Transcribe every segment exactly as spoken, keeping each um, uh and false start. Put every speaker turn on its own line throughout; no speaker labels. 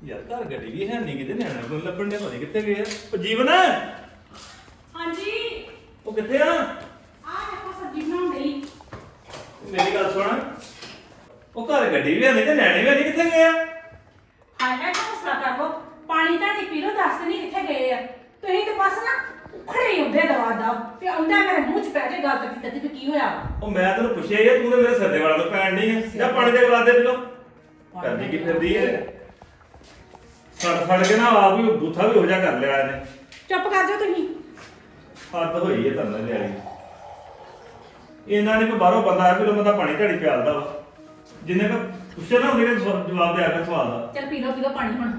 ਯਾਰ ਘਰ ਗੱਡੀ ਵੀ ਹੈ ਨਹੀਂ ਕਿਤੇ ਨਿਆਣਾ ਕੋਈ ਲੱਭਣ ਦੇ ਪਤਾ ਕਿੱਥੇ ਗਏ ਆ ਉਹ ਜੀਵਨ
ਹਾਂਜੀ
ਉਹ ਕਿੱਥੇ ਆ
ਆ ਦੇਖੋ ਸਬਜ਼ੀ ਬਣਾਉਣ ਲਈ।
ਮੇਰੀ ਗੱਲ ਸੁਣ ਉਹ ਘਰ ਗੱਡੀ ਵੀ ਹੈ ਨਹੀਂ ਤੇ ਨਿਆਣੇ ਵੀ ਹੈ ਨਹੀਂ ਕਿੱਥੇ ਗਏ ਆ
ਹਾਏ ਹਾਏ ਹੌਸਲਾ ਕਰ ਲੋ, ਪਾਣੀ ਤਾਂ ਨਹੀਂ ਪੀ ਲੋ, ਦੱਸ ਨਹੀਂ ਕਿੱਥੇ ਗਏ ਆ ਤੁਸੀਂ ਤੇ ਬਸ ਨਾ ਖੜੇ ਹੀ ਹੁੰਦੇ ਦਵਾ ਦਾ ਤੇ ਆਉਂਦਾ ਮੇਰੇ ਮੂੰਹ 'ਚ ਪੈ ਕੇ ਗੱਲ ਕਰਦੀ ਕਰਦੀ ਵੀ ਕੀ ਹੋਇਆ ਵਾ।
ਉਹ ਮੈਂ ਤੈਨੂੰ ਪੁੱਛਿਆ ਯਾਰ ਤੂੰ ਤੇ ਮੇਰੇ ਸਿਰ ਦੇ ਵਾਲਾਂ ਤੋਂ ਪੈਣ ਨਹੀਂ ਹੈ ਜਾਂ ਪਾਣੀ ਦੇ ਗਲਾ ਦੇ ਪੀ ਲੋ ਕਰਦੀ ਕੀ ਫਿਰਦੀ ਹੈ ਸੜ ਸੜ ਕੇ ਨਾ ਆਪ ਵੀ ਬੂਥਾ ਵੀ ਹੋ ਜਾ ਕਰ ਲਿਆ ਇਹਨੇ
ਚੁੱਪ ਕਰ ਜਾਓ ਤੁਸੀਂ।
ਹੱਦ ਹੋਈ ਹੈ ਤੁਹਾਨੂੰ ਲਿਆਈ ਇਹਨਾਂ ਨੇ ਕੋਈ ਬਾਹਰੋਂ ਬੰਦਾ ਆ ਕਿ ਲੋ ਬੰਦਾ ਪਾਣੀ ਢਾੜੀ ਪਿਆਲਦਾ ਵਾ ਜਿੰਨੇ ਕ ਪੁੱਛਿਆ ਨਾ ਉਹਨੇ ਜਵਾਬ ਦੇ ਆ ਕੇ ਸਵਾਲ ਦਾ
ਚੱਲ ਪੀ ਲੋ ਪੀ ਲੋ ਪਾਣੀ ਹੁਣ।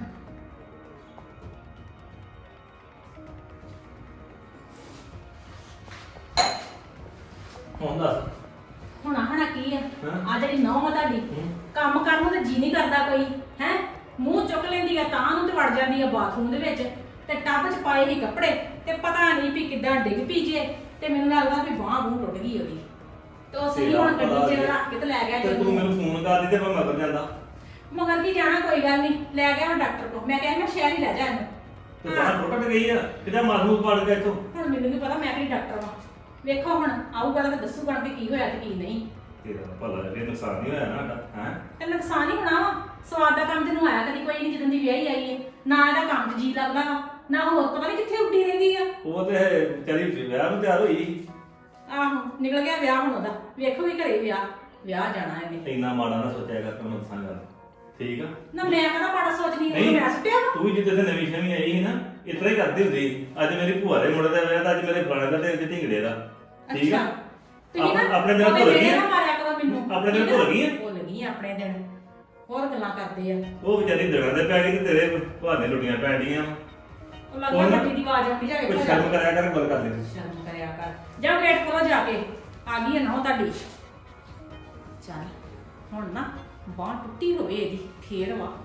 ਹੁਣ ਦੱਸ
ਹੁਣ ਹਣਾ ਕੀ ਆ
ਹਾਂ।
ਆ ਜਿਹੜੀ ਨੌਂ ਆ ਤੁਹਾਡੀ ਕੰਮ ਕਰਨ ਨੂੰ ਤੇ ਜੀ ਨਹੀਂ ਕਰਦਾ ਕੋਈ ਹੈ, ਮੂੰਹ ਚੁੱਕ ਲੈਂਦੀ ਆ ਤਾਂ ਨੂੰ ਤੇ ਵੜ ਜਾਂਦੀ ਆ ਬਾਥਰੂਮ ਦੇ ਵਿੱਚ ਤੇ ਟੱਬ 'ਚ ਪਾਏ ਹੀ ਕੱਪੜੇ ਤੇ ਪਤਾ ਨਹੀਂ ਵੀ ਕਿੱਦਾਂ ਡਿੱਗ ਪਈ ਜੇ ਤੇ ਮੈਨੂੰ ਲੱਗਦਾ ਵੀ ਬਾਂਹ ਬੂਹ ਟੁੱਟ ਗਈ ਉਹਦੀ ਤੇ ਉਹ ਸਹੀ ਹੁਣ ਗੱਡੀ 'ਚ ਰੱਖ ਕੇ ਤੇ ਲੈ ਗਿਆ
ਤੇ
ਜੀ।
ਤੂੰ ਮੈਨੂੰ ਫੋਨ ਕਰ ਦਿੱਤੇ ਪਰ ਮਗਰ ਜਾਂਦਾ
ਮਗਰ ਕੀ ਜਾਣਾ, ਕੋਈ ਗੱਲ ਨਹੀਂ ਲੈ ਗਿਆ ਮੈਂ ਡਾਕਟਰ ਕੋਲ, ਮੈਂ ਕਿਹਾ ਮੈਂ ਸ਼ਹਿਰ ਹੀ ਲੈ ਜਾ ਇਹਨੂੰ।
ਤੇ ਬਾਹਰ ਟੁੱਟ ਗਈ ਆ ਕਿਤੇ ਮਾਰੂ ਪੜ ਗਿਆ ਇੱਥੋਂ
ਹੁਣ ਮੈਨੂੰ ਕੀ ਪਤਾ, ਮੈਂ ਕਿਹੜੀ ਡਾਕਟਰ ਵਾਂ। ਵੇਖੋ ਹੁਣ ਆਊਗਾ ਤਾਂ ਦੱਸੂਗਾ ਕਿ ਕੀ ਹੋਇਆ ਤੇ ਕੀ ਨਹੀਂ।
ਤੇਰਾ ਭਲਾ ਇਹ ਨੁਕਸਾਨ ਨਹੀਂ ਹੋਇਆ ਨਾ ਸਾਡਾ ਹੈ
ਤੇ ਨੁਕਸਾਨ ਹੀ ਹੋਣਾ ਵਾ, ਸਵਾਦ ਦਾ ਕੰਮ ਤੈਨੂੰ ਆਇਆ ਕਦੀ ਕੋਈ ਨਹੀਂ ਜਦੋਂ ਦੀ ਵਿਆਹੀ ਆਈ ਹੈ, ਨਾ ਇਹਦਾ ਕੰਮ 'ਚ ਜੀ ਲੱਗਦਾ ਵਾ ਨਾ ਹੋਰ ਪਤਾ ਨਹੀਂ ਕਿੱਥੇ ਉੱਡੀ ਰਹਿੰਦੀ ਆ।
ਉਹ ਤੇ ਵਿਚਾਰੀ ਵਿਆਹ ਨੂੰ ਤਿਆਰ ਹੋਈ
ਆਹੋ ਨਿਕਲ ਗਿਆ ਵਿਆਹ ਹੁਣ ਉਹਦਾ, ਵੇਖੋ ਵੀ ਘਰੇ ਵਿਆਹ ਵਿਆਹ ਜਾਣਾ ਇਹਨੇ।
ਇੰਨਾ ਮਾੜਾ ਨਾ ਸੋਚਿਆ ਕਰ ਤੈਨੂੰ ਦੱਸਾਂ ਗੱਲ ਠੀਕ ਆ
ਨਾ ਮੈਂ ਕਹਿੰਦਾ ਮਾੜਾ ਸੋਚਦੀ
ਨਹੀਂ।
ਨਹੀਂ, ਮੈਂ ਸੁੱਟਿਆ ਵਾ।
ਤੂੰ ਵੀ ਜਿੱਦੇ ਤੇ ਨਵੀਂ ਸ਼ਮੀ ਆਈ ਸੀ ਨਾ ਇਤਨਾ ਹੀ ਕਰਦੀ ਹੁੰਦੀ ਸੀ। ਅੱਜ ਮੇਰੀ ਭੂਆ ਦੇ ਮੁੰਡੇ ਦਾ ਵਿਆਹ ਤਾਂ ਅੱਜ ਮੇਰੇ ਫਲਾਣੇ ਦਾ ਤੇ ਢਿੰਗੜੇ ਦਾ ਠੀਕ ਆ
ਤੁਸੀਂ ਨਾ
ਆਪ- ਆਪਣੇ ਦਿਨ
ਉਹਦੇ
ਭੁੱਲ ਗਈ
ਮੇਰੇ
ਆ?
ਨਾਲ ਮਾਰਿਆ ਕਰੋ ਮੈਨੂੰ।
ਆਪਣੇ ਦਿਨ
ਠੀਕ ਆ?
ਭੁੱਲ ਗਈ ਆ?
ਭੁੱਲ ਗਈ ਆ ਆਪਣੇ ਦਿਨ, ਹੋਰ ਗੱਲਾਂ ਕਰਦੇ ਆ।
ਉਹ ਵਿਚਾਰੀ ਦਗਾਂ ਦੇ ਪੈ ਗਈ ਤੇ ਤੇਰੇ ਭਾਨੇ ਲੁੱਟੀਆਂ ਪੈ ਡੀਆਂ
ਉਹ ਲੱਗਦਾ
ਉਹ ਨਾ-
ਗੱਡੀ ਦੀ ਆਵਾਜ਼ ਆਉਂਦੀ ਜਾ
ਕੋਈ
ਵੇਖੋ
ਸ਼ਰਮ ਕਰਿਆ ਕਰ ਗੱਲ ਕਰ ਲੈ
ਸ਼ਰਮ ਕਰਿਆ ਕਰ, ਜਾ ਗੇਟ ਖੋਲੋ ਜਾ ਕੇ, ਆ ਗਈ ਹੈ ਨਾ ਉਹ ਤੁਹਾਡੀ। ਚੱਲ ਹੁਣ ਨਾ ਬਾਂਹ ਟੁੱਟੀ ਹੋਵੇ ਇਹਦੀ ਫੇਰ ਵਾ।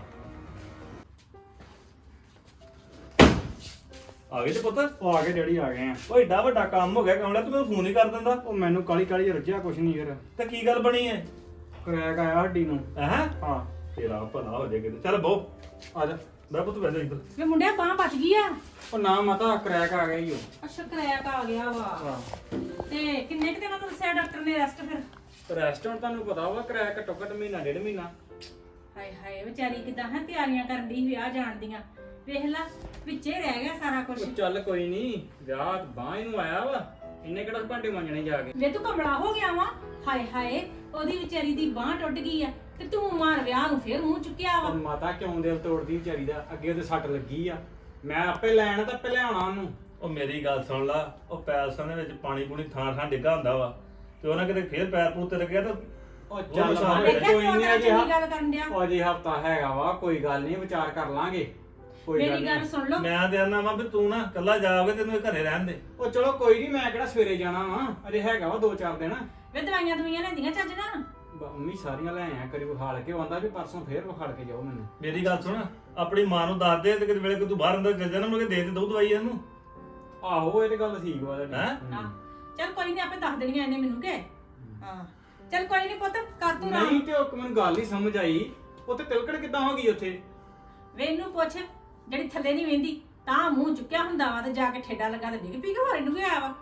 ਆ ਗਏ ਤੇ ਪੁੱਤ
ਉਹ ਆ ਗਏ ਡੈਡੀ ਆ ਗਏ ਆ।
ਉਹ ਏਡਾ ਵੱਡਾ ਕੰਮ ਹੋ ਗਿਆ ਕਮਲਾ ਤੂੰ ਮੈਨੂੰ ਫੋਨ ਹੀ ਕਰ ਦਿੰਦਾ
ਉਹ ਮੈਨੂੰ ਕਾਲੀ ਕਾਲੀ ਰੱਜਿਆ ਕੁਛ ਨਹੀਂ ਯਾਰ,
ਤੇ ਕੀ ਗੱਲ ਬਣੀ ਹੈ
ਕਰੈਕ ਆਇਆ ਹੱਡੀ ਨੂੰ।
ਹੈ
ਹਾਂ
ਤੇਰਾ ਭਲਾ ਹੋ ਜਾਏ ਕਿਤੇ ਚੱਲ ਬਹੁ
ਆ ਜਾ।
ਮੈਂ ਪੁੱਤ ਬੈਠਾ ਇੱਧਰ
ਵੇ ਮੁੰਡਿਆ ਬਾਂਹ ਬਚ ਗਈ ਆ।
ਉਹ ਨਾ ਮਾਤਾ ਕਰੈਕ ਆ ਗਿਆ ਈ ਉਹ।
ਅੱਛਾ ਕਰੈਕ ਆ ਗਿਆ ਵਾ।
ਹਾਂ
ਤੇ ਕਿੰਨੇ ਕੁ ਦਿਨਾਂ ਤੋਂ ਦੱਸਿਆ ਡਾਕਟਰ ਨੇ ਰੈਸਟ ਫਿਰ?
ਰੈਸਟੋਰੈਂਟ ਤੁਹਾਨੂੰ ਪਤਾ ਵਾ ਕਰੈਕ ਘੱਟੋ ਘੱਟ ਮਹੀਨਾ ਡੇਢ ਮਹੀਨਾ।
ਹਾਏ ਹਾਏ ਵਿਚਾਰੀ ਕਿਦਾਂ ਹੈ ਤਿਆਰੀਆਂ ਕਰਨ ਦੀ ਵਿਆਹ ਜਾਣ ਦੀਆਂ, ਵੇਖ ਲੈ ਵਿੱਚੇ ਰਹਿ ਗਿਆ ਸਾਰਾ ਕੁਝ।
ਉਹ ਚੱਲ ਕੋਈ ਨਹੀਂ, ਵਿਆਹ ਬਾਂਹ ਨੂੰ ਆਇਆ ਵਾ, ਇੰਨੇ ਕਿਹੜਾ ਭਾਂਡੇ ਮਾਂਜਣੇ ਜਾ ਕੇ।
ਵੇ ਤੂੰ ਕਮਲਾ ਹੋ ਗਿਆ ਵਾ। ਹਾਏ ਹਾਏ ਉਹਦੀ ਵਿਚਾਰੀ ਦੀ ਬਾਂਹ ਟੁੱਟ ਗਈ ਆ ਤੇ ਤੂੰ ਮਾਰ ਵਿਆਹ ਨੂੰ ਫੇਰ ਮੂੰਹ ਚੁੱਕਿਆ ਵਾ।
ਉਹ ਮਾਤਾ ਕਿਉਂ ਦਿਲ ਤੋੜਦੀ ਵਿਚਾਰੀ ਦਾ, ਅੱਗੇ ਉਹਦੇ ਸੱਟ ਲੱਗੀ ਆ, ਮੈਂ ਆਪੇ ਲੈਣ ਤਾਂ ਆਪੇ ਲਿਆਉਣਾ ਉਹਨੂੰ।
ਉਹ ਮੇਰੀ ਗੱਲ ਸੁਣ ਲਾ ਉਹ ਪੈਲਸਾਂ ਦੇ ਵਿੱਚ ਪਾਣੀ ਪੂਣੀ ਥਾਂ ਥਾਂ ਡਿੱਗਾ ਹੁੰਦਾ ਵਾ ਤੇ ਉਹਨਾਂ ਕਿਤੇ ਫੇਰ ਪੈਰ ਪੂਰ ਤੇ ਲੱਗਿਆ ਤਾਂ
ਉਹ
ਉਹ
ਚੱਲ
ਨੁਕਸਾਨ
ਮਾਤਾ,
ਦੇਖਿਆ
ਕੋਈ
ਤੂੰ
ਨਹੀਂ
ਅੰਦਰ
ਅਜੇ
ਚੰਗੀ ਗੱਲ ਕਰਨ ਡਿਆ।
ਉਹ ਅਜੇ ਹਫਤਾ ਹੈਗਾ ਵਾ, ਕੋਈ ਗੱਲ ਨਹੀਂ, ਵਿਚਾਰ ਕਰ ਲਾਂਗੇ, ਕੋਈ ਗੱਲ
ਮੇਰੀ ਗੱਲ
ਨਹੀਂ।
ਸੁਣ ਲਓ,
ਮੈਂ ਤੇ ਆਨਾ ਵਾ ਵੀ ਤੂੰ ਨਾ ਇਕੱਲਾ ਜਾਓਗੇ ਤੈਨੂੰ ਇਹ ਘਰੇ ਰਹਿਣ ਦੇ
ਉਹ ਚਲੋ ਕੋਈ ਨਹੀਂ, ਮੈਂ ਕਿਹੜਾ ਸਵੇਰੇ ਜਾਣਾ ਵਾ, ਅਜੇ ਹੈਗਾ ਵਾ ਦੋ ਚਾਰ ਦਿਨ।
ਵੇ ਦਵਾਈਆਂ ਦੁਈਆਂ ਲੈਂਦੀਆਂ ਚੱਜ ਨਾਲ।
ਬ- ਮੰਮੀ ਸਾਰੀਆਂ ਲੈ ਆਇਆ ਕਰੀ ਵਿਖਾਲ ਕੇ, ਉਹ ਆਂਦਾ ਵੀ ਪਰਸੋਂ ਫੇਰ ਵਿਖਾਲ ਕੇ ਜਾਓ ਮੈਨੂੰ।
ਮੇਰੀ ਗੱਲ ਸੁਣ ਆਪਣੀ ਮਾਂ ਨੂੰ ਦੱਸ ਦੇ ਤੇ ਕਿਤੇ ਵੇਲੇ ਕੋਈ ਤੂੰ ਬਾਹਰ ਅੰਦਰ ਚੱਲ ਜਾਣਾ ਮੁੜ ਕੇ ਦੇ ਦੇ ਦੋ ਦਵਾਈ ਇਹਨੂੰ
ਆਹੋ ਇਹ ਤੇ ਗੱਲ ਠੀਕ ਵਾ ਤੁਹਾਡੀ।
ਹੈਂ?
ਹਮ।
ਹਾਂ ਚੱਲ ਕੋਈ ਨਹੀਂ ਆਪੇ ਦੱਸ ਦੇਣੀਆਂ ਇਹਨੇ ਮੈਨੂੰ ਕਿ ਹਾਂ ਚੱਲ ਕੋਈ ਨਹੀਂ ਪੁੱਤ ਕਰ ਤੂੰ ਨਾ।
ਨਹੀਂ ਤੇ ਉਹ ਮੈਨੂੰ ਗੱਲ ਨਹੀਂ ਸਮਝ ਆਈ, ਉਹ ਤੇ ਤਿਲਕੜ ਕਿੱਦਾਂ ਹੋ ਗਈ ਉੱਥੇ?
ਵੇ ਇਹਨੂੰ ਪੁੱਛ ਜਿਹੜੀ ਥੱਲੇ ਨਹੀਂ ਵੇਂਦੀ ਤਾਂ ਮੂੰਹ ਚੁੱਕਿਆ ਹੁੰਦਾ ਵਾ ਤੇ ਜਾ ਕੇ ਠੇਡਾ ਲੱਗਾ ਤੇ ਡਿੱਗ ਪੀ ਕੇ ਹੋਰ ਇਹਨੂੰ ਕੀ ਆਇਆ ਵਾ।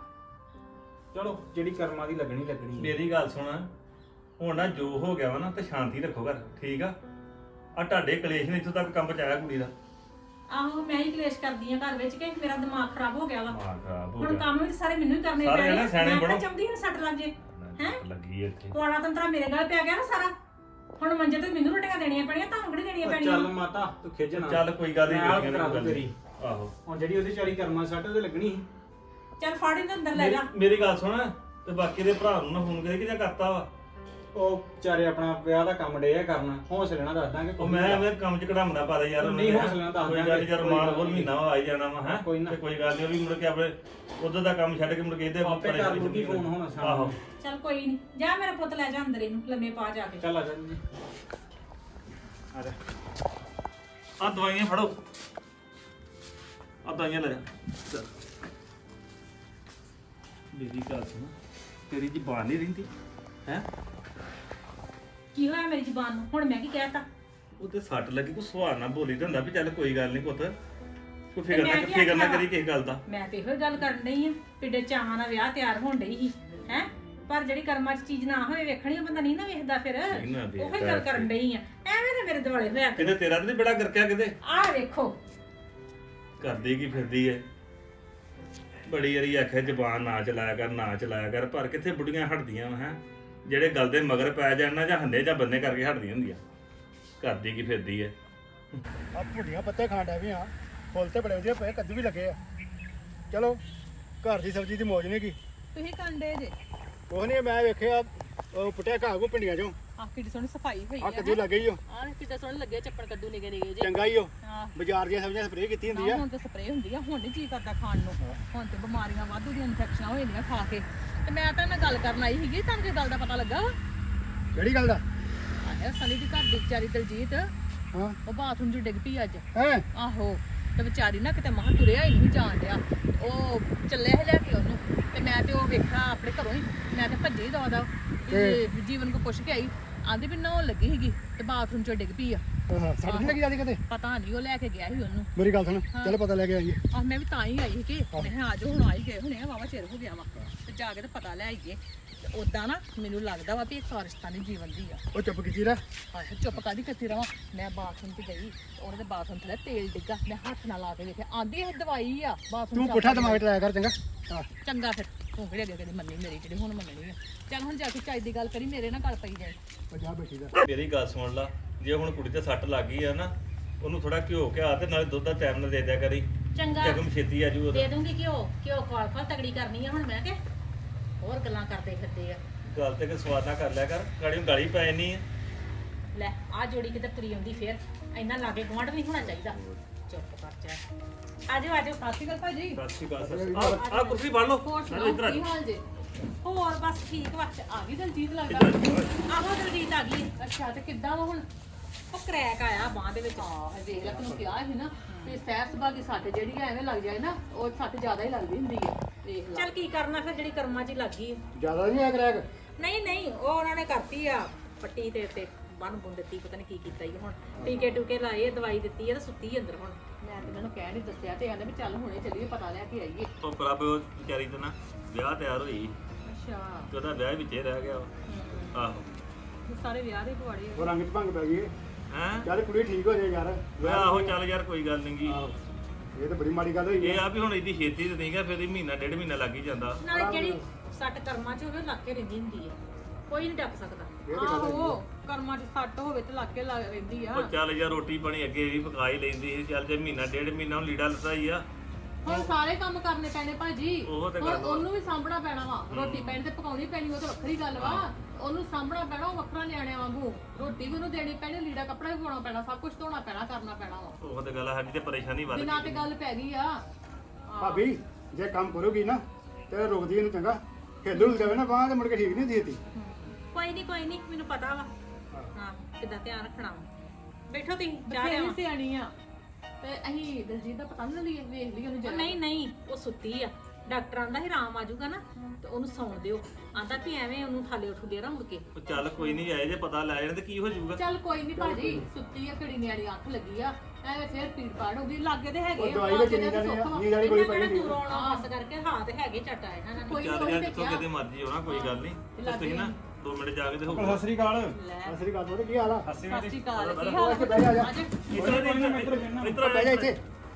ਚਲੋ ਜਿਹੜੀ ਕਰਮਾਂ ਦੀ ਲੱਗਣੀ ਲੱਗਣੀ।
ਮੇਰੀ ਗੱਲ ਸੁਣ ਹੁਣ ਨਾ ਜੋ ਹੋ ਗਿਆ ਵਾ ਨਾ ਤੇ ਸ਼ਾਂਤੀ ਰੱਖੋ ਘਰ ਠੀਕ ਆ ਆ ਤੁਹਾਡੇ ਕਲੇਸ਼ ਨੇ ਇੱਥੋਂ ਤੱਕ ਕੰਮ ਪਹੁੰਚਾਇਆ ਕੁੜੀ ਦਾ
ਆਹੋ ਮੈਂ ਹੀ ਕਲੇਸ਼ ਕਰਦੀ ਆ ਘਰ ਵਿੱਚ ਕਿ ਮੇਰਾ ਦਿਮਾਗ ਖਰਾਬ ਹੋ ਗਿਆ ਵਾ।
ਮਾਂ ਖਰਾਬ ਹੋ
ਹੁਣ
ਗਿਆ
ਕੰਮ ਵੀ ਸਾਰੇ ਮੈਨੂੰ ਹੀ ਕਰਨੇ
ਸਾਰੇ
ਪੈਣੇ
ਨਾ ਸਿਆਣੇ
ਮੈਂ
ਬਣੋ।
ਤਾਂ ਚਾਹੁੰਦੀ ਹਾਂ ਸੱਟ ਲੱਗ ਜੇ ਹੈਂ?
ਲੱਗੀ ਇੱਥੇ
ਕੋਣਾ ਤੰਤਰਾ ਮੇਰੇ ਗਲ ਪਿਆ ਗਿਆ ਨਾ ਸਾਰਾ, ਹੁਣ ਮੰਜੇ ਤੇ ਮੈਨੂੰ ਰੋਟੀਆਂ ਦੇਣੀਆਂ ਪੈਣੀਆਂ, ਤੁਹਾਨੂੰ ਕਿਹੜੀ ਦੇਣੀਆਂ
ਉਹ
ਪੈਣੀਆਂ?
ਚੱਲ ਮਾਤਾ ਤੂੰ ਖਿੱਚ ਨਾ।
ਚੱਲ ਕੋਈ ਗੱਲ ਨਹੀਂ
ਮੈਂ ਆਪ
ਵੇਖੀਆਂ
ਕਰਾ
ਨੇ
ਦੂੰ
ਕੋਈ
ਤੇਰੀ।
ਆਹੋ
ਹੁਣ ਜਿਹੜੀ ਉਹਦੀ ਚਾਰੀ ਕਰਮਾਂ ਸੱਟ ਉਹਦੇ ਲੱਗਣੀ ਸੀ।
ਚੱਲ ਫੜ ਇਹਨੂੰ ਅੰਦਰ ਲੈ ਜਾ।
ਮੇਰੀ- ਮੇਰੀ ਗੱਲ ਸੁਣ ਤੇ ਬਾਕੀ ਦੇ ਭਰਾ ਨੂੰ ਨਾ ਫੋਨ ਕਰੇ ਕਿਹਦਾ ਕਰਤਾ ਵਾ
ਉਹ ਵਿਚਾਰੇ ਆਪਣਾ ਵਿਆਹ ਦਾ ਕੰਮ ਡੇ ਆ ਕਰਨਾ, ਹੌਸਲੇ ਨਾਲ ਦੱਸ ਦਾਂਗੇ।
ਉਹ ਮੈਂ ਮੈਂ ਕੰਮ ਚ ਕਢਾਉਣਾ ਪਾ ਦੇ ਯਾਰ ਉਹਨੂੰ
ਨਹੀਂ,
ਕਿਹਾ।
ਹੌਸਲੇ ਨਾਲ ਦੱਸ
ਕੋਈ
ਦਾਂਗੇ,
ਗੱਲ ਨੀ, ਜਦ
ਕੋਈ
ਮਾਨ
ਗੱਲ
ਹੋਰ
ਨੀ।
ਮਹੀਨਾ ਵਾ ਆਈ ਜਾਣਾ ਵਾ ਹੈ
ਕੋਈ ਨਾ।
ਤੇ ਕੋਈ ਗੱਲ ਨਹੀਂ ਉਹ ਵੀ ਮੁੜ ਕੇ ਆਪਣੇ ਉਧਰ ਦਾ ਕੰਮ ਛੱਡ ਕੇ ਮੁੜ ਕੇ ਇਹਦੇ
ਆਪੇ ਕਰ ਲੂਗੀ ਫੋਨ ਹੁਣ ਸ਼ਾਮ
ਆਹੋ
ਨੂੰ।
ਚੱਲ ਕੋਈ ਨਹੀਂ, ਜਾ ਮੇਰਾ ਪੁੱਤ ਲੈ ਜਾ ਅੰਦਰ ਇਹਨੂੰ ਲੰਮੇ ਪਾ ਜਾ ਕੇ।
ਚੱਲ ਆ ਜਾ ਜੀ ਆ ਜਾ।
ਆ ਦਵਾਈਆਂ ਫੜੋ ਆ ਦਵਾਈਆਂ ਲੈ ਜਾ ਚੱਲ। ਮੇਰੀ ਗੱਲ ਸੁਣ ਤੇਰੀ ਜ਼ਬਾਨ ਨਹੀਂ ਰਹਿੰਦੀ ਹੈ
ਕੀ ਹੋਇਆ ਮੇਰੀ ਜ਼ੁਬਾਨ ਨੂੰ? ਹੁਣ ਮੈਂ ਕੀ ਕਹਿਤਾ?
ਉਹ ਤੇ ਸੱਟ ਲੱਗੀ ਕੋ ਸੁਹਾਰ ਨਾਲ ਬੋਲੀ ਤਾਂ ਹੁੰਦਾ ਵੀ ਚੱਲ ਕੋਈ ਗੱਲ ਨਹੀਂ ਪੁੱਤ ਕੋਈ ਫਿਕਰ
ਮੈਂ
ਨਾ
ਕੀ
ਫਿਕਰ ਨਾ
ਆਖਿਆ
ਕਰੀ ਕਿਸੇ ਗੱਲ ਦਾ।
ਮੈਂ ਤੇ ਇਹੋ ਹੀ ਗੱਲ ਕਰਨ ਡਈ ਆ ਪਿੱਡੇ ਚਾਹਾਂ ਨਾਲ ਵਿਆਹ ਤਿਆਰ ਹੋਣ ਡਈ ਸੀ ਹੈ ਪਰ ਜਿਹੜੀ ਕਰਮਾਂ 'ਚ ਚੀਜ਼ ਨਾ ਹੋਵੇ ਵੇਖਣੀ ਉਹ ਬੰਦਾ ਨਹੀਂ ਨਾ ਵੇਖਦਾ ਫਿਰ
ਨਹੀਂ ਨਾ ਵੇਖਦਾ
ਉਹੋ ਹੀ ਗੱਲ ਕਰਨ ਡਈ ਆ ਐਵੇਂ ਨਾ ਮੇਰੇ ਦੁਆਲੇ ਹੋਇਆ
ਕਿਤੇ ਤੇਰਾ ਤੇ ਨੀ ਬੜਾ ਗਰਕਿਆ ਕਿਤੇ
ਆਹ ਵੇਖੋ
ਕਰਦੀ ਕੀ ਫਿਰਦੀ ਐ ਬੜੀ ਯਾਰੀ ਆਖਿਆ ਜ਼ਬਾਨ ਨਾ ਚਲਾਇਆ ਕਰ ਨਾ ਚਲਾਇਆ ਕਰ ਪਰ ਕਿੱਥੇ ਬੁੱਢੀਆਂ ਹਟਦੀਆਂ ਹੈ ਜਿਹੜੇ ਗੱਲ ਦੇ ਮਗਰ ਪੈ ਜਾਣ ਨਾ ਜਾਂ ਹੰਨੇ ਜਾਂ ਬੰਨੇ ਕਰਕੇ ਹਟਦੀਆਂ ਹੁੰਦੀਆਂ ਕਰਦੀ ਕੀ ਫਿਰਦੀ ਐ
ਆ ਭੁੱਡੀਆਂ ਪੱਤੇ ਖਾਣ ਡੈ ਵੀ ਆ ਫੁੱਲ ਤੇ ਬੜੇ ਵਧੀਆ ਪਏ ਕੱਦੂ ਵੀ ਲੱਗੇ ਆ ਚਲੋ ਘਰ ਦੀ ਸਬਜ਼ੀ ਦੀ ਮੌਜ ਨਹੀਂ ਕੀ
ਤੁਸੀਂ ਕੰਡੇ ਜੇ
ਕੁਛ ਨਹੀਂ ਮੈਂ ਵੇਖਿਆ ਉਹ ਪੁੱਟਿਆ ਘਾਹ ਕੋ ਪਿੰਡੀਆਂ ਚੋਂ
ਆਹ ਕਿੱਡੀ ਸੋਹਣੀ ਸਫਾਈ ਹੋਈ
ਆ
ਆ
ਕੱਦੂ ਲੱਗੇ ਹੀ ਉਹ
ਆਹ ਕਿੱਡੇ ਸੋਹਣੇ ਲੱਗੇ ਚੱਪਣ ਕੱਦੂ ਨਿਕੇ ਨਿਕੇ ਜੇ
ਚੰਗਾ ਹੀ ਉਹ
ਹਾਂ
ਬਾਜ਼ਾਰ ਦੀਆਂ ਸਬਜ਼ੀਆਂ ਸਪਰੇਅ ਕੀਤੀ ਹੁੰਦੀ
ਨਾ
ਆ
ਹੁਣ ਤੇ ਸਪਰੇਅ ਹੁੰਦੀ ਆ ਹੁਣ ਨਹੀਂ ਜੀ ਕਰਦਾ ਖਾਣ ਨੂੰ ਹੁਣ ਤੇ ਬਿਮਾਰੀਆਂ ਵਾਧੂ ਦੀਆਂ ਇਨਫੈਕਸ਼ਨਾਂ ਹੋ ਜਾਂਦੀਆਂ ਖਾ ਕੇ ਤੇ ਮੈਂ ਤਾਂ ਨਾਲ ਗੱਲ ਕਰਨ ਆਈ ਸੀਗੀ ਤੁਹਾਨੂੰ ਕੀ ਗੱਲ ਦਾ ਪਤਾ ਲੱਗਾ ਵਾ
ਕਿਹੜੀ ਗੱਲ ਦਾ
ਆਹ ਸਨੀ ਦੀ ਘਰ ਦੀ ਵਿਚਾਰੀ ਦਲਜੀਤ
ਹਾਂ
ਉਹ ਬਾਥਰੂਮ 'ਚ ਡਿੱਗ ਪਈ ਅੱਜ
ਹੈ
ਆਹੋ ਤੇ ਵਿਚਾਰੀ ਨਾ ਕਿਤੇ ਮਹਾਂ ਤੁਰਿਆ ਹੀ ਨਹੀਂ ਜਾਣ ਡਿਆ ਉਹ ਚੱਲਿਆ ਸੀ ਲੈ ਕੇ ਉਹਨੂੰ ਤੇ ਮੈਂ ਤੇ ਉਹ ਵੇਖਿਆ ਆਪਣੇ ਘਰੋਂ ਹੀ ਮੈਂ ਤੇ ਭੱਜੀ ਦਵਾ ਤੇ ਜੀਵਨ ਕੋ ਪੁੱਛ ਕੇ ਆਈ ਆਂਦੀ ਵੀ ਨਹਾਉਣ ਲੱਗੀ ਸੀਗੀ ਤੇ ਬਾਥਰੂਮ 'ਚ ਡਿੱਗ ਪਈ ਆ
ਹਾਂ ਸੱਟ ਨਹੀਂ ਲੱਗੀ ਜਾਂਦੀ ਕਦੇ
ਪਤਾ ਨਹੀਂ ਉਹ ਲੈ ਕੇ ਗਿਆ ਸੀ ਉਹਨੂੰ
ਮੇਰੀ ਗੱਲ ਸੁਣ ਚੱਲ ਪਤਾ ਲੈ ਕੇ ਆਈਏ
ਆਹ ਮੈਂ ਵੀ ਤਾਂ ਹੀ ਆਈ ਸੀ ਕਿ ਮੈਂ ਕਿਹਾ ਆ ਜਾਓ ਹੁਣ ਆਈ ਗਏ ਹੁਣੇ ਵਾਵਾ ਚਿਰ ਹੋ ਗਿਆ ਵਾ ਤੇ ਜਾ ਕੇ ਤੇ ਪਤਾ ਲੈ ਆਈਏ ਤੇ ਉਦਾਂ ਨਾ ਮੈਨੂੰ ਲੱਗਦਾ ਵਾ ਵੀ ਇਹ ਕਾਰਿਸ਼ਤਾਨੀ ਜੀਵਨ ਦੀ ਆ
ਉਹ ਚੁੱਪ ਕੀਤੀ ਰਹਿ
ਆਹ ਚੁੱਪ ਕਾਦੀ ਕਰਤੀ ਰਵਾਂ ਮੈਂ ਬਾਥਰੂਮ 'ਚ ਗਈ ਉਹਨੇ ਦੇ ਬਾਥਰੂਮ ਥੱਲੇ ਤੇਲ ਡਿੱਗਾ ਮੈਂ ਹੱਥ ਨਾਲ ਲਾ ਕੇ ਵੇਖਿਆ ਆਂਦੀ ਇਹ ਦਵਾਈ ਆ ਬਾਥਰੂਮ
ਤੂੰ ਪੁੱਠਾ ਦਿਮਾਗ ਚਲਾਇਆ ਕਰ ਚੰਗਾ ਹਾਂ
ਚੰਗਾ ਫਿਰ ਤੂੰ ਕਿਹੜੇ ਅੱਗੇ ਕਦੇ ਮੰਨੀ ਮੇਰੀ ਜਿਹੜੀ ਹੁਣ ਮੰਨਣੀ ਆ ਚੱਲ ਹੁਣ ਜਾ ਕੇ ਚਾਈ ਦੀ ਗੱਲ ਕਰੀ ਮੇਰੇ ਨਾਲ ਗੱਲ ਪਈ ਜਾਏ
ਉਹ ਜਾ ਬੈਠੀ ਦਾ
ਮੇਰੀ ਗੱਲ ਸੁਣ ਲਾ ਜੇ ਹੁਣ ਕੁੜੀ ਤੇ ਸੱਟ ਲੱਗ ਗਈ ਆ ਨਾ ਉਹਨੂੰ ਥੋੜਾ ਘਿਓ ਘਿਆ ਤੇ ਨਾਲੇ ਦੁੱਧ ਦਾ ਟਾਈਮ ਨਾਲ ਦੇ ਦਿਆ ਕਰੀ
ਚੰਗਾ
ਜਗਮ ਛੇਤੀ ਆ ਜੂ ਉਹਦਾ
ਦੇ ਦੂੰਗੀ ਘਿਓ ਘਿਓ ਖਵਾਲ ਖਵਾਲ ਤਗੜੀ ਕਰਨੀ ਆ ਹੁਣ ਮੈਂ ਕਿ ਹੋਰ ਗੱਲਾਂ ਕਰਦੇ ਫਿਰਦੇ ਆ
ਗੱਲ ਤੇ ਕਿ ਸਵਾਦ ਨਾ ਕਰ ਲਿਆ ਕਰ ਗਾੜੀ ਗਾਲੀ ਪੈ ਜਾਨੀ ਆ
ਲੈ ਆ ਜੋੜੀ ਕਿਤੇ ਤੁਰੀ ਆਉਂਦੀ ਫੇਰ ਇੰਨਾ ਲਾਗੇ ਗੁਆਂਢ ਨਹੀਂ ਹੋਣਾ ਚਾਹੀਦਾ ਚੁੱਪ ਕਰ ਜਾ ਆਜੋ ਆਜੋ
ਸਤਿ ਸ਼੍ਰੀ ਅਕਾਲ ਭਾਜੀ
ਸਤਿ ਸ਼੍ਰੀ ਅਕਾਲ ਸਰ ਆ ਕੁਰਸੀ ਫੜ ਲਓ
ਹੋਰ
ਨਾਲੇ ਇੱਧਰ ਆ
ਸੁਣਾਓ ਕੀ ਹਾਲ ਜੇ
ਹੋਰ ਬਸ ਠੀਕ ਵਾ
ਆ ਗਈ ਦਲਜੀਤ ਲੱਗਦਾ
ਆਹੋ ਦਲਜੀਤ ਆ ਗਈ
ਅੱਛਾ ਤੇ ਕਿੱਦਾਂ ਵਾ ਹੁਣ
ਉਹ ਕਰੈਕ ਆਇਆ ਬਾਹ ਦੇ ਵਿੱਚ
ਹਾਂ ਵੇਖ ਲੈ ਤੈਨੂੰ ਕਿਹਾ ਸੀ ਨਾ ਤੇ ਸਹਿਰ ਸੁਭਾ ਦੀ ਸੱਟ ਜਿਹੜੀ ਆ ਐਵੇਂ ਲੱਗ ਜਾਏ ਨਾ ਉਹ ਸੱਟ ਜ਼ਿਆਦਾ ਹੀ ਲੱਗਦੀ ਹੁੰਦੀ ਹੈ ਵੇਖ ਲੈ
ਚੱਲ ਕੀ ਕਰਨਾ ਫਿਰ ਜਿਹੜੀ ਕਰਮਾਂ 'ਚ ਹੀ ਲੱਗ ਗਈ
ਜ਼ਿਆਦਾ ਨਹੀਂ ਆ ਕਰੈਕ
ਨਹੀਂ ਨਹੀਂ ਉਹ ਉਹਨਾਂ ਨੇ ਕਰਤੀ ਆ ਪੱਟੀ ਤੇ ਤੇ ਬੰਨ ਬੁੰਨ ਦਿੱਤੀ ਪਤਾ ਨਹੀਂ ਕੀ ਕੀਤਾ ਹੀ ਹੁਣ ਟੀਕੇ ਟੂਕੇ ਲਾਏ ਦਵਾਈ ਦਿੱਤੀ ਆ ਤੇ ਸੁੱਤੀ ਅੰਦਰ ਹੁਣ
ਮੈਂ ਤੇ ਇਹਨਾਂ ਨੂੰ ਕਹਿ ਨਹੀਂ ਦੱਸਿਆ ਤੇ ਕਹਿੰਦੇ ਵੀ ਚੱਲ ਹੁਣੇ ਚੱਲੀਏ ਪਤਾ ਲੈ ਕੇ ਆਈਏ
ਉਹ ਪ੍ਰਭ ਉਹ ਵਿਚਾਰੀ ਤੇ ਨਾ ਵਿਆਹ ਤਿਆਰ ਹੋਈ
ਅੱਛਾ
ਤੇ ਉਹਦਾ ਵਿਆਹ ਵਿੱਚ ਹੀ ਰਹਿ ਗਿਆ ਵਾ। ਆਹੋ
ਸਾਰੇ ਵਿਆਹ ਦੇ ਪਵਾੜੇ
ਉਹ ਰੰਗ ਚ ਭੰਗ ਪੈ ਗਈ
ਹੈ
ਚੱਲ ਕੁੜੀ ਠੀਕ ਹੋ ਜਾਏ ਯਾਰ
ਵੇ ਆਹੋ ਚੱਲ ਯਾਰ ਕੋਈ ਗੱਲ ਨਹੀਂਗੀ
ਆਹੋ। ਇਹ ਤਾਂ ਬੜੀ ਮਾੜੀ ਗੱਲ ਹੋਈ
ਇਹ ਆ ਵੀ ਹੁਣ ਇਹਦੀ ਛੇਤੀ ਤੇ ਨਹੀਂ ਗਿਆ ਫਿਰ ਇਹ ਮਹੀਨਾ ਡੇਢ ਮਹੀਨਾ ਲੱਗ ਹੀ ਜਾਂਦਾ
ਨਾਲੇ ਜਿਹੜੀ ਸੱਟ ਕਰਮਾਂ 'ਚ ਹੋਵੇ ਉਹ ਲੱਗ ਕੇ ਰਹਿੰਦੀ ਹੁੰਦੀ ਹੈ ਕੋਈ ਨਹੀਂ ਡੱਪ ਸਕਦਾ
ਇਹ ਤਾਂ ਗੱਲ ਹੈਗੀ ਆ।
ਆਹੋ ਕਰਮਾਂ 'ਚ ਸੱਟ ਹੋਵੇ ਤੇ ਲੱਗ ਕੇ ਲੱਗ ਰਹਿੰਦੀ ਆ
ਉਹ ਚੱਲ ਯਾਰ ਰੋਟੀ ਪਾਣੀ ਅੱਗੇ ਵੀ ਪਕਾ ਹੀ ਲੈਂਦੀ ਸੀ ਚੱਲ ਜੇ ਮਹੀਨਾ ਡੇਢ ਮਹੀਨਾ ਹੁਣ ਲੀੜਾ ਲੱਤਾ ਹੀ ਆ
ਹੁਣ ਸਾਰੇ ਕੰਮ ਕਰਨੇ ਪੈਣੇ ਭਾਜੀ
ਉਹ ਤੇ
ਹੁਣ
ਗੱਲ ਵਾ।
ਉਹਨੂੰ ਵੀ ਸਾਂਭਣਾ ਪੈਣਾ ਵਾ ਰੋਟੀ ਪੈਣੀ ਤੇ ਪਕਾਉਣੀ ਪੈਣੀ ਉਹ ਤਾਂ ਵੱਖਰੀ ਗੱਲ ਵਾ ਉਹਨੂੰ ਸਾਂਭਣਾ ਪੈਣਾ ਉਹ ਵੱਖਰਾ ਨਿਆਣਿਆਂ ਵਾਂਗੂ ਰੋਟੀ ਵੀ ਉਹਨੂੰ ਦੇਣੀ ਪੈਣੀ ਲੀੜਾ ਕੱਪੜਾ ਵੀ ਪਾਉਣਾ ਪੈਣਾ ਸਭ ਕੁਝ ਧੋਣਾ ਪੈਣਾ ਕਰਨਾ ਪੈਣਾ ਵਾ
ਉਹ ਤੇ ਗੱਲ ਆ, ਸਾਡੀ ਤੇ ਪਰੇਸ਼ਾਨੀ ਵੱਧ
ਬਿਨਾਂ ਤੇ
ਗਈ
ਗੱਲ ਪੈ ਗਈ ਆ
ਭਾਬੀ ਜੇ ਕੰਮ ਕਰੋਗੀ ਨਾ ਤੇ ਰੁਕਦੀ ਇਹਨੂੰ ਚੰਗਾ ਖੇਲੂ ਜਾਵੇ ਨਾ ਬਾਹਰ ਤੇ ਮੁੜ ਕੇ ਠੀਕ ਨਹੀਂ ਦਿੱਤੀ
ਕੋਈ ਨਹੀਂ ਕੋਈ ਨਹੀਂ ਮੈਨੂੰ ਪਤਾ ਵਾ ਹਾਂ ਕਿੱਦਾਂ ਧਿਆਨ ਰੱਖਣਾ ਵਾ ਬੈਠੋ ਤੁਸੀਂ ਜਾ
ਬਥੇਰੀ
ਲਿਆ
ਸਿਆਣੀ ਆ ਤੇ ਅਸੀਂ ਦਲਜੀਤ ਦਾ ਪਤਾ ਨਹੀਂ ਲਈਏ ਵੇਖ ਲਈ ਉਹਨੂੰ ਜਰਾ
ਨਹੀਂ ਨਹੀਂ ਉਹ ਸੁੱਤੀ ਆ ਡਾਕਟਰ ਆਂਦਾ ਸੀ ਆਰਾਮ ਆ ਜਾਊਗਾ ਨਾ ਤੇ ਉਹਨੂੰ ਸੌਣ ਦਿਓ ਆਂਦਾ ਵੀ ਐਵੇਂ ਉਹਨੂੰ ਥਾਲੇ ਉੱਠ ਦੇ ਰਾ ਮੁੜ ਕੇ
ਉਹ ਚੱਲ ਕੋਈ ਨਹੀਂ ਆਏ ਜੇ ਪਤਾ ਲੈ ਜਾਣ ਤੇ ਕੀ ਹੋ ਜਾਊਗਾ
ਚੱਲ ਕੋਈ ਨਹੀਂ ਭਾਜੀ ਸੁੱਤੀ ਆ ਘੜੀ ਨਿਆਣੀ ਅੱਖ ਲੱਗੀ ਆ ਐਵੇਂ ਫੇਰ ਪੀੜ ਪਾੜ ਹੁੰਦੀ ਲਾਗੇ ਤੇ ਹੈਗੇ
ਉਹ
ਆ,
ਦਵਾਈ
ਲਾਗੇ
ਵਿੱਚ
ਦੇ
ਨਹੀਂ
ਤਾਂ
ਜਾਣੀ
ਸੁੱਖ ਵਾ।
ਨੀਂਦ ਵਾਲੀ ਕੋਈ
ਇਹਨਾਂ
ਪਈ
ਕਿਹੜਾ
ਨਹੀਂ
ਦੂਰੋਂ ਆਉਣਾ ਬਸ ਕਰਕੇ ਹਾਂ ਤੇ ਹੈਗੇ ਝੱਟ ਆਏ ਨਾ
ਕੋਈ
ਚੱਲ
ਨੀ,
ਯਾਰ
ਉਹੀ
ਜਿੱਥੋਂ
ਤੇ
ਕਿਤੇ ਮਰਜ਼ੀ ਹੋਣਾ ਕੋਈ ਗੱਲ ਨਹੀਂ ਬਸ ਤੁਸੀਂ ਨਾ ਦੋ ਮਿੰਟ ਜਾ ਕੇ ਤੇ ਹੋਊਗਾ
ਸਤਿ ਸ਼੍ਰੀ ਅਕਾਲ
ਲੈ
ਅਸਲੀ ਗੱਲ ਉਹਦੇ ਕੀ ਹਾਲ ਆ
ਸਤਿ
ਸਤਿ ਸ਼੍ਰੀ ਅਕਾਲ
ਬਹਿ
ਕੀ
ਜਾ,
ਹਾਲ
ਇੱਥੇ ਬਹਿ ਜਾ, ਜਾ।
ਅੱਜ
ਇੱਧਰ ਦੇ ਇੱਧਰ ਇੱਧਰ
ਬਹਿ ਜਾ ਇੱਥੇ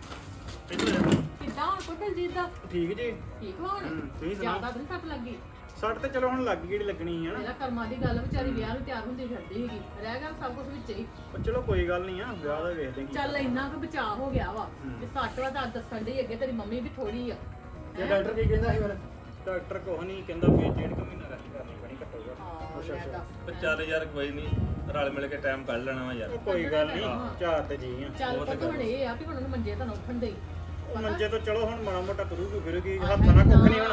ਇੱਧਰ
ਕਿੱਦਾਂ ਹੁਣ ਪੁੱਤਰ ਜੀ ਦਾ
ਠੀਕ ਜੀ
ਠੀਕ ਵਾ ਹੁਣ
ਤੁਸੀਂ ਸੁਣਾਓ
ਜ਼ਿਆਦਾ ਤਾਂ ਨੀ ਸੱਟ ਲੱਗੀ
ਸੱਟ ਤੇ ਚਲੋ ਹੁਣ ਲੱਗ ਗਈ ਜਿਹੜੀ ਲੱਗਣੀ ਆ
ਮੇਰਾ ਕਰਮਾਂ ਦੀ ਗੱਲ ਵਿਚਾਰੀ ਵਿਆਹ ਨੂੰ ਤਿਆਰ ਹੁੰਦੀ ਫਿਰਦੀ ਸੀਗੀ ਰਹਿ ਗਿਆ ਸਭ ਕੁਝ ਵਿੱਚ ਹੀ
ਪਰ ਚਲੋ ਕੋਈ ਗੱਲ ਨਹੀਂ ਆ ਵਿਆਹ ਦਾ ਵੇਖਦੇ ਕੀ
ਚੱਲ ਇੰਨਾ ਕੁ ਬਚਾਅ ਹੋ ਗਿਆ ਵਾ ਤੇ ਸੱਟ ਵਾ ਤਾਂ ਦੱਸਣ ਦੀ ਅੱਗੇ ਤੇਰੀ ਮੰਮੀ ਵੀ ਥੋੜੀ ਆ
ਜੇ ਡਾਕਟਰ ਕੀ ਕਹਿੰਦਾ ਸੀ ਫਿਰ
ਡਾਕਟਰ ਕੋਹ ਨਹੀਂ ਕਹਿੰਦਾ ਵੀ ਡੇਢ ਕੁ ਮਹੀਨਾ ਰੈਸਟ ਕਰਨੀ ਪੈਣੀ ਘੱਟੋ ਘੱਟ
ਹਾਂ ਲੈ ਦੱਸ।
ਉਹ ਚੱਲ ਯਾਰ ਕੋਈ ਨਹੀਂ ਰਲ ਮਿਲ ਕੇ ਟਾਈਮ ਕੱਢ ਲੈਣਾ ਵਾ ਯਾਰ
ਉਹ ਕੋਈ ਗੱਲ ਨਹੀਂ ਚਾਰ ਤੇ ਜੀ ਆ
ਚੱਲ ਪੁੱਤ ਹੁਣ ਇਹ ਆ ਵੀ ਹੁਣ ਉਹਨੂੰ ਮੰਜੇ ਤਾਂ ਨਾ ਉੱਠਣ ਦੇ
ਉਹ ਮੰਜੇ ਤੋਂ ਚਲੋ ਹੁਣ ਮਾੜਾ ਮੋਟਾ ਕਰੂਗੀ ਫਿਰੂਗੀ ਹੱਥਾਂ ਨਾਲ ਕੁੱਖ ਨਹੀਂ ਹੋਣਾ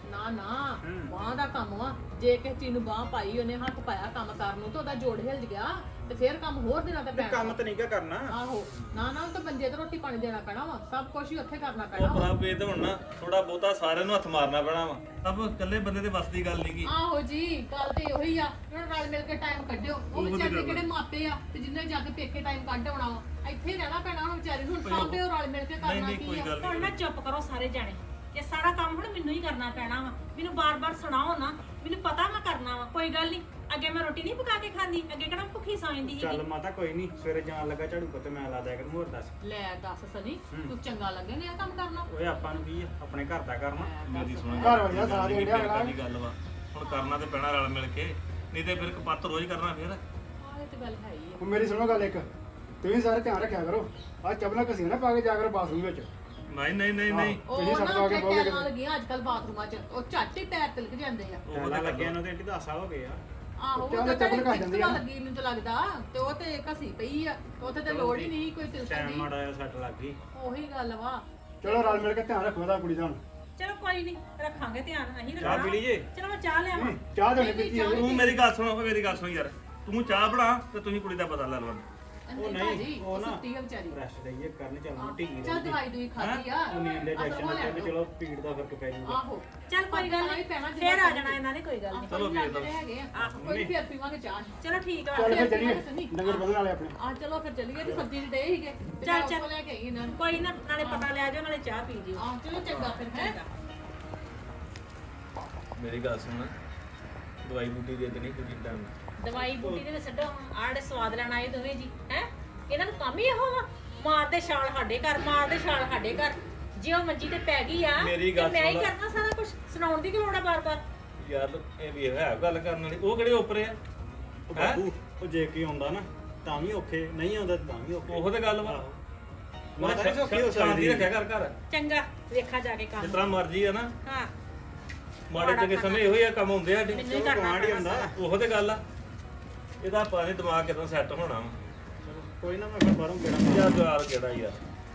ਨਾ ਨਾ ਬਾਹ ਦਾ ਕੰਮ ਆ ਜੇ ਕਿਸੇ ਚੀਜ਼ ਨੂੰ ਬਾਹ ਪਾਈ ਉਹਨੇ ਹੱਥ ਪਾਇਆ ਕੰਮ ਕਰਨ ਨੂੰ ਤੇ ਉਹਦਾ ਜੋੜ ਹਿੱਲ ਗਿਆ ਤੇ ਫਿਰ ਕੰਮ ਹੋਰ ਦਿਨਾਂ ਤੇ ਪੈਣਾ
ਕੰਮ ਤਾਂ ਨਹੀਂ ਕਿਆ ਕਰਨਾ
ਆਹੋ ਨਾ ਨਾ ਉਹ ਤਾਂ ਬੰਦੇ ਤੇ ਰੋਟੀ ਪਾਣੀ ਦੇਣਾ ਪੈਣਾ ਵਾ ਸਭ ਕੁਝ ਹੀ ਉੱਥੇ ਕਰਨਾ
ਉਹ
ਪੈਣਾ ਵਾ
ਪ੍ਰਭ ਇਹ ਤਾਂ ਹੁਣ ਨਾ ਥੋੜਾ ਬਹੁਤਾ ਸਾਰਿਆਂ ਨੂੰ ਹੱਥ ਮਾਰਨਾ ਪੈਣਾ ਵਾ ਸਭ ਇਕੱਲੇ ਬੰਦੇ ਦੇ ਵੱਸ ਦੀ ਗੱਲ ਨਹੀਂਗੀ
ਆਹੋ ਜੀ ਗੱਲ ਤੇ ਉਹੀ ਆ ਹੁਣ ਰਲ ਮਿਲ ਕੇ ਟਾਈਮ ਕੱਢਿਓ ਉਹ
ਉਹੀ
ਵਿਚਾਰੇ
ਗੱਲ ਆ।
ਕਿਹੜੇ ਮਾਪੇ ਆ ਤੇ ਜਿੰਨੇ ਜਾ ਕੇ ਪੇਕੇ ਟਾਈਮ ਕੱਢ ਆਉਣਾ ਵਾ ਇੱਥੇ ਰਹਿਣਾ ਪੈਣਾ ਹੁਣ ਵਿਚਾਰੇ ਨੂੰ ਹੁਣ ਸਾਂਭਿਓ ਰਲ ਮਿਲ ਕੇ
ਨਹੀਂ
ਕਰਨਾ
ਨਹੀਂ
ਕੀ
ਕੋਈ
ਆ
ਗੱਲ
ਹੁਣ
ਨਹੀਂ
ਨਾ ਚੁੱਪ ਕਰੋ ਸਾਰੇ ਜਾਣੇ ਇਹ ਸਾਰਾ ਕੰਮ ਹੁਣ ਮੈਨੂੰ ਹੀ ਕਰਨਾ ਪੈਣਾ ਵਾ ਮੈਨੂੰ ਬਾਰ-ਬਾਰ ਸੁਣਾਓ ਨਾ ਮੈਨੂੰ ਪਤਾ ਮੈਂ ਕਰਨਾ ਵਾ ਕੋਈ ਗੱਲ ਨਹੀਂ ਅੱਗੇ ਮੈਂ ਰੋਟੀ ਨਹੀਂ ਪਕਾ ਕੇ ਖਾਂਦੀ ਅੱਗੇ ਕਿਹੜਾ ਭੁੱਖੀ ਸੌਂ ਜਾਂਦੀ
ਚੱਲ
ਸੀਗੀ
ਮਾਤਾ ਕੋਈ ਨਹੀਂ ਸਵੇਰੇ ਜਾਣ ਲੱਗਾ ਝਾੜੂ ਪੋਤੇ ਮੈਂ ਲਾ ਦਿਆ ਕਰੂੰ ਹੋਰ ਦੱਸ
ਲੈ ਦੱਸ ਸਨੀ ਤੂੰ ਚੰਗਾ ਲੱਗੇ ਨੇ ਇਹ ਕੰਮ ਕਰਨਾ
ਓਏ ਆਪਾਂ ਨੂੰ ਕੀ ਆ ਆਪਣੇ ਘਰ ਦਾ ਕਰਨਾ
ਮੇਰੀ ਸੁਣੋ
ਘਰ ਵਾਲਿਆਂ ਸਾਥ ਦੇਣ ਡਿਆ ਅਗਲਾ।
ਦੀ ਗੱਲ ਵਾ ਹੁਣ ਕਰਨਾ ਤੇ ਪੈਣਾ ਰਲ ਮਿਲ ਕੇ ਨਹੀਂ ਤੇ ਫਿਰ ਕਪੱਤ ਰੋਜ਼ ਕਰਨਾ ਫਿਰ
ਆਹ ਇਹ ਤੇ ਗੱਲ ਹੈ ਹੀ ਆ
ਹੁਣ ਮੇਰੀ ਸੁਣੋ ਗੱਲ ਇੱਕ ਤੁਸੀਂ ਸਾਰੇ ਧਿਆਨ ਰੱਖਿਆ ਕਰੋ ਆ ਚੱਪਲਾਂ ਘਸੀਆਂ ਨਾ ਪਾ ਕੇ ਜਾ ਕਰੋ ਬਾਥਰੂਮ ਵਿੱਚ
ਨਹੀਂ ਨਹੀਂ ਨਹੀਂ ਨਹੀਂ
ਤੁਸੀਂ
ਉਹ
ਸਭ
ਨਾ
ਤੋਂ ਅੱਗੇ
ਉੱਥੇ
ਬਹੋਗੇ
ਟੈਲਾਂ ਲੱਗੀਆਂ ਅੱਜ ਕੱਲ ਬਾਥਰੂਮਾਂ 'ਚ ਉਹ ਝੱਟ ਹੀ ਪੈਰ ਤਿਲਕ ਜਾਂਦੇ ਆ
ਉਹ
ਪਹਿਲਾਂ
ਤਾਂ
ਲੱਗਿਆ ਨੂੰ ਤੇ ਏਡੀ ਦਸ ਸਾਲ ਹੋ ਗਏ ਆ
ਆਹੋ ਉਹ
ਚੱਲ
ਤਾਂ
ਚੱਪਲ
ਚੱਪਲ
ਘਸ ਜਾਂਦੀ ਆ।
ਲੱਗੀ ਮੈਨੂੰ ਤਾਂ ਲੱਗਦਾ ਤੇ ਉਹ ਤੇ ਘਸੀ ਪਈ ਆ ਉੱਥੇ ਤੇ ਲੋੜ ਹੀ ਨਹੀਂ ਕੋਈ ਤਿਲਕਣ
ਟਾਈਮ
ਦੀ
ਮਾੜਾ ਜਿਹਾ ਸੱਟ ਲੱਗ ਗਈ
ਉਹੀ ਗੱਲ ਵਾ
ਚਲੋ ਰਲ ਮਿਲ ਕੇ ਧਿਆਨ ਰੱਖੋ ਇਹਦਾ ਕੁੜੀ ਦਾ ਹੁਣ
ਚਲੋ ਕੋਈ ਨਹੀਂ ਰੱਖਾਂਗੇ ਧਿਆਨ ਅਸੀਂ
ਚਾਹ
ਰੱਖਣਾ
ਪੀ ਲਈਏ
ਚਲੋ ਮੈਂ ਚਾਹ ਲਿਆਵਾਂ
ਚਾਹ ਦੇ ਪੀਤੀ ਹੈ
ਤੂੰ ਮੇਰੀ ਗੱਲ ਸੁਣੋ ਮੇਰੀ ਗੱਲ ਸੁਣ ਯਾਰ ਤੂੰ ਚਾਹ ਬਣਾ ਤੇ ਤੁਸੀਂ ਕੁੜੀ ਦਾ ਪਤਾ ਲੈ ਲਓ
ਉਹ
ਨਹੀਂ ਭਾਜੀ
ਨਹੀਂ
ਉਹ
ਉਹ ਨਾ
ਸੁੱਤੀ ਆ ਵਿਚਾਰੀ
ਰੈਸਟ ਦਈਏ ਕਰਨ ਚੱਲਣਾ ਢੀਗੀ
ਚੱਲ ਦਵਾਈ ਦੂਈ ਖਾਦੀ ਆ
ਉਹ ਨੀਂਦ ਦੇ
ਅਸਰ
ਟੈਨਸ਼ਨ
ਹੋ
ਨਾਲ ਤੇ
ਲੈਣ
ਚਲੋ ਪੀੜ ਦਾ ਫਰਕ ਪੈ ਜਾਊਗਾ
ਆਹੋ
ਚੱਲ ਕੋਈ ਗੱਲ ਨਹੀਂ ਫੇਰ ਆ ਜਾਣਾ ਇਹਨਾਂ ਨੇ ਕੋਈ ਗੱਲ ਨਹੀਂ
ਚਲੋ ਫਿਰ ਹੈਗੇ ਆ ਕੋਈ ਨੀ, ਫਿਰ ਪੀਵਾਂਗੇ ਚਾਹ
ਚਲੋ ਠੀਕ ਆ
ਚੱਲ ਫਿਰ
ਫਿਰ
ਚੱਲੀਏ
ਸੁਣੀ।
ਨਗਰ ਬਦਲਣ ਵਾਲੇ ਆਪਣੇ
ਆ ਚਲੋ ਫਿਰ ਚੱਲੀਏ ਤੇ ਸਬਜ਼ੀ ਦੇ ਹੀਗੇ ਤੇ
ਚੱਲ,
ਮੈਂ
ਚੱਲ।
ਉੱਥੋਂ ਲੈ ਕੇ ਆਈ ਇਹਨਾਂ ਨੂੰ
ਕੋਈ ਨਾ ਨਾਲੇ ਪਤਾ ਲੈ ਜਾਓ ਨਾਲੇ ਚਾਹ ਪੀ ਜਿਓ
ਆ ਚਲੋ ਚੰਗਾ ਫਿਰ ਹੈ
ਮੇਰੀ ਗੱਲ ਸੁਣ ਦਵਾਈ ਬੂਟੀ ਦੇ ਦੇਣੀ ਕੁਝ ਟਾਈਮ
ਦਵਾਈ ਬੂਟੀ ਦੇ ਵਿੱਚ ਛੱਡੋ ਆੜੇ ਸਵਾਦ ਲੈਣ ਆਏ ਦੋਵੇਂ ਜੀ ਹੈ ਇਹਨਾਂ ਨੂੰ ਕੰਮ ਹੀ ਇਹੋ ਵਾ ਮਾਰਦੇ ਛਾਲ ਸਾਡੇ ਘਰ ਮਾਰਦੇ ਛਾਲ ਸਾਡੇ ਘਰ ਜੇ ਉਹ ਮੰਜੀ ਤੇ ਪੈ ਗਈ ਆ
ਮੇਰੀ
ਤੇ
ਗੱਲ
ਮੈਂ ਹੀ
ਸੁਣ।
ਕਰਨਾ ਸਾਰਾ ਕੁਝ ਸੁਣਾਉਣ ਦੀ ਕੀ ਲੋੜ ਆ ਬਾਰ-ਬਾਰ
ਯਾਰ ਇਹ ਵੀ ਹੈ ਗੱਲ ਕਰਨ ਵਾਲੀ ਉਹ ਕਿਹੜੇ ਉੱਪਰ ਆ
ਉਹ ਬਾਬੂ ਉਹ ਜੇ ਕੀ ਆਉਂਦਾ ਨਾ ਤਾਂ ਵੀ ਔਖੇ ਨਹੀਂ ਆਉਂਦਾ ਤਾਂ ਵੀ ਔਖੇ
ਉਹੋ ਤੇ ਗੱਲ ਵਾ
ਆਹੋ। ਮਾਤਾ ਨਹੀਂ ਸੌਖੀ ਹੋ
ਸ਼ਾਂਤੀ
ਸਕਦੀ
ਰੱਖਿਆ ਕਰ ਘਰ
ਚੰਗਾ ਵੇਖਾ ਜਾ ਕੇ
ਜਿਸ
ਕੰਮ
ਤਰ੍ਹਾਂ ਮਰਜ਼ੀ ਆ ਨਾ
ਹਾਂ
ਮਾੜੇ ਚੰਗੇ ਸਮੇਂ ਇਹੋ ਹੀ ਆ ਕੰਮ ਹੁੰਦੇ ਆ ਸਾਡੇ
ਮੈਨੂੰ ਹੀ ਕਰਨਾ
ਕਮਾਂਡ ਹੀ
ਪੈਣਾ
ਹੁੰਦਾ
ਉਹੋ ਤੇ ਗੱਲ ਆ ਇਹਦਾ ਪਤਾ ਨੀ ਦਿਮਾਗ ਕਿਦਾਂ ਸੈੱਟ ਹੋਣਾ ਵਾ
ਚਲੋ, ਕੋਈ ਨਾ ਮੈਂ ਫਿਰ ਬਾਹਰੋਂ ਕਿਹੜਾ
ਯਾਰ ਦੁਆਰ ਕਿਹੜਾ ਯਾਰ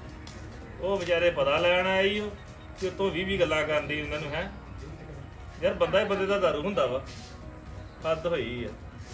ਉਹ ਵਿਚਾਰੇ ਪਤਾ ਲੈਣ ਆਏ ਈ ਕਿ ਉਤੋਂ ਵੀਹ ਵੀਹ ਗੱਲਾਂ ਕਰਦੀ ਉਹਨਾਂ ਨੂੰ ਹੈ ਯਾਰ ਬੰਦਾ ਹੀ ਬੰਦੇ ਦਾ ਦਾਰੂ ਹੁੰਦਾ ਵਾ ਹੱਦ ਹੋਈ ਆ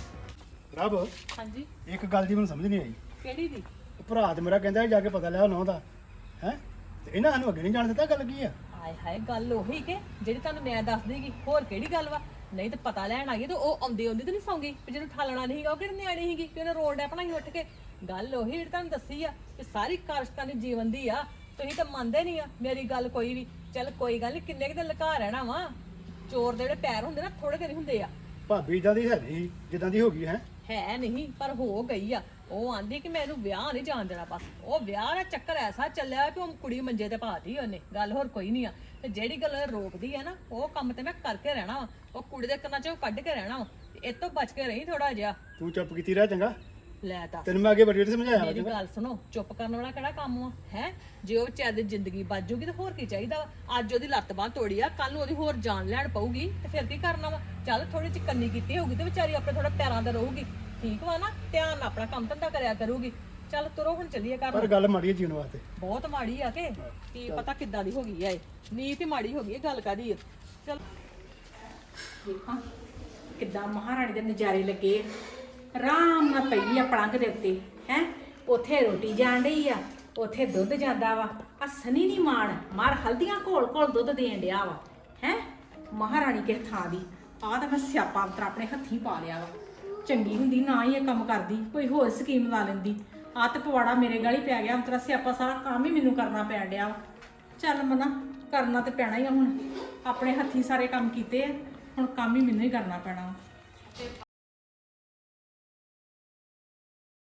ਰੱਬ
ਹਾਂਜੀ
ਇੱਕ ਗੱਲ ਦੀ ਮੈਨੂੰ ਸਮਝ ਨਹੀਂ ਆਈ
ਕਿਹੜੀ ਦੀ
ਉਹ ਭਰਾ ਤੇ ਮੇਰਾ ਕਹਿੰਦਾ ਜਾ ਕੇ ਪਤਾ ਲਿਆ ਨੌ ਦਾ ਹੈ ਤੇ ਇਹਨਾਂ ਸਾਨੂੰ ਅੱਗੇ ਨਹੀਂ ਜਾਣ ਦਿੱਤਾ ਗੱਲ ਕੀ ਆ
ਹਾਏ ਹਾਏ ਗੱਲ ਉਹੀ ਕਿ ਜਿਹੜੀ ਤੁਹਾਨੂੰ ਮੈਂ ਦੱਸ ਦੇਗੀ ਹੋਰ ਕਿਹੜੀ ਗੱਲ ਵਾ ਨਹੀਂ ਤੇ ਪਤਾ ਲੈਣ ਆ ਗਈ ਤੇ ਉਹ ਆਉਂਦੀ ਆਉਂਦੀ ਤੇ ਨਹੀਂ ਸੌਂਗੀ ਵੀ ਜਿਹਨੂੰ ਠਾਲਣਾ ਨਹੀਂ ਸੀਗਾ ਉਹ ਕਿਹੜੀ ਨਿਆਣੀ ਸੀਗੀ ਕਿ ਉਹਨੇ ਰੋਲ ਡੈ ਬਣਾਈ ਉੱਠ ਕੇ ਗੱਲ ਉਹੀ ਜਿਹੜੀ ਤੁਹਾਨੂੰ ਦੱਸੀ ਆ ਕਿ ਸਾਰੀ ਕਾਰਸ਼ਤਾਂ ਦੀ ਜੀਵਨ ਦੀ ਆ ਤੁਸੀਂ ਤਾਂ ਮੰਨਦੇ ਨਹੀਂ ਆ ਮੇਰੀ ਗੱਲ ਕੋਈ ਵੀ ਚੱਲ ਕੋਈ ਗੱਲ ਨਹੀਂ ਕਿੰਨੇ ਕੁ ਦਿਨ ਲੁਕਾ ਰਹਿਣਾ ਵਾ ਚੋਰ ਦੇ ਜਿਹੜੇ ਪੈਰ ਹੁੰਦੇ ਨਾ ਥੋੜੇ ਦਿਨ ਹੁੰਦੇ ਆ
ਭਾਬੀ ਇਦਾਂ ਦੀ ਹੈ ਨਹੀਂ ਜਿੱਦਾਂ ਦੀ ਹੋ ਗਈ ਹੈ
ਹੈ ਨਹੀਂ ਪਰ ਹੋ ਗਈ ਆ ਉਹ ਆਂਦੀ ਕਿ ਮੈਂ ਇਹਨੂੰ ਵਿਆਹ ਨਹੀਂ ਜਾਣ ਦੇਣਾ ਬਸ ਉਹ ਵਿਆਹ ਦਾ ਚੱਕਰ ਐਸਾ ਚੱਲਿਆ ਕਿ ਉਹ ਕੁੜੀ ਮੰਜੇ ਤੇ ਪਾਤੀ ਉਹਨੇ ਗੱਲ ਹੋਰ ਕੋਈ ਨਹੀਂ ਆ ਤੇ ਜਿਹੜੀ ਗੱਲ ਉਹ ਰੋਕਦੀ ਆ ਨਾ ਉਹ ਕੰਮ ਤੇ ਮੈਂ ਕਰਕੇ ਰਹਿਣਾ ਵਾ ਉਹ ਕੁੜੀ ਦੇ ਕੰਨਾਂ 'ਚ ਉਹ ਕੱਢ ਕੇ ਰਹਿਣਾ ਵਾ ਤੇ ਇਹ ਤੋਂ ਬਚ ਕੇ ਰਹੀ ਥੋੜਾ ਜਿਹਾ
ਤੂੰ ਚੁੱਪ ਕੀਤੀ ਰਹਿ ਚੰਗਾ
ਲੈ ਦੱਸ
ਤੈਨੂੰ ਮੈਂ ਅੱਗੇ ਬੜੀ ਵਾਰੀ ਸਮਝਾਇਆ ਵਾ
ਮੇਰੀ
ਚੰਗਾ
ਗੱਲ ਸੁਣੋ ਚੁੱਪ ਕਰਨ ਵਾਲਾ ਕਿਹੜਾ ਕੰਮ ਆ ਹੈ ਜੇ ਉਹ ਵਿਚਾਰੇ ਦੀ ਜ਼ਿੰਦਗੀ ਬਚ ਜੂਗੀ ਤੇ ਹੋਰ ਕੀ ਚਾਹੀਦਾ ਵਾ ਅੱਜ ਉਹਦੀ ਲੱਤ ਬਾਂਹ ਤੋੜੀ ਆ ਕੱਲ ਨੂੰ ਉਹਦੀ ਹੋਰ ਜਾਨ ਲੈਣ ਪਊਗੀ ਤੇ ਫਿਰ ਕੀ ਕਰਨਾ ਵਾ ਚੱਲ ਥੋੜੀ ਚਿਕੰਨੀ ਕੀਤੀ ਹੋਊਗੀ ਤੇ ਵਿਚਾਰੀ ਆਪਣੇ ਥੋੜਾ ਪੈਰਾਂ ਤੇ ਰਹੂਗੀ ਠੀਕ ਵਾ ਨਾ ਧਿਆਨ ਨਾਲ ਆਪਣਾ ਕੰਮ ਧੰਦਾ ਕਰਿਆ ਕਰੂਗੀ ਚੱਲ ਤੁਰੋ ਹੁਣ ਚੱਲੀਏ ਘਰ
ਪਰ
ਨੂੰ।
ਗੱਲ ਮਾੜੀ ਹੈ ਜੀਵਨ ਵਾਸਤੇ
ਬਹੁਤ ਮਾੜੀ ਆ ਕਿ ਕੀ ਪਤਾ ਕਿੱਦਾਂ ਦੀ ਹੋ ਗਈ ਆ ਇਹ ਨੀਤ ਹੀ ਮਾੜੀ ਹੋ ਗਈ ਹੈ ਗੱਲ ਕਾਦੀ ਆ ਚੱਲ
ਦੇਖਾਂ ਕਿੱਦਾਂ ਮਹਾਰਾਣੀ ਦੇ ਨਜ਼ਾਰੇ ਲੱਗੇ ਆਰਾਮ ਨਾਲ ਪਈ ਆ ਪਲੰਘ ਦੇ ਉੱਤੇ ਹੈ ਉੱਥੇ ਰੋਟੀ ਜਾਣ ਡਈ ਆ ਉੱਥੇ ਦੁੱਧ ਜਾਂਦਾ ਵਾ ਆ ਸਨੀ ਦੀ ਮਾਣ ਮਾਰ ਹਲਦੀਆਂ ਘੋਲ ਘੋਲ ਦੁੱਧ ਦੇਣ ਡਿਆ ਵਾ ਹੈ ਮਹਾਰਾਣੀ ਕਿਸ ਥਾਂ ਦੀ ਆ ਤਾਂ ਮੈਂ ਸਿਆਪਾ ਅੰਤਰ ਆਪਣੇ ਹੱਥੀਂ ਪਾ ਲਿਆ ਵਾ ਚੰਗੀ ਹੁੰਦੀ ਨਾ ਹੀ ਇਹ ਕੰਮ ਕਰਦੀ ਕੋਈ ਹੋਰ ਸਕੀਮ ਲਾ ਲੈਂਦੀ ਆ ਤੇ ਪਵਾੜਾ ਮੇਰੇ ਗਾਲੀ ਪੈ ਗਿਆ ਅੰਤਰਾ ਸਿਆਪਾ ਸਾਰਾ ਕੰਮ ਹੀ ਮੈਨੂੰ ਕਰਨਾ ਪੈਣ ਡਿਆ ਵਾ ਚੱਲ ਮਨਾ ਕਰਨਾ ਤੇ ਪੈਣਾ ਹੀ ਆ ਹੁਣ ਆਪਣੇ ਹੱਥੀਂ ਸਾਰੇ ਕੰਮ ਕੀਤੇ ਆ ਹੁਣ ਕੰਮ ਹੀ ਮੈਨੂੰ ਹੀ ਕਰਨਾ ਪੈਣਾ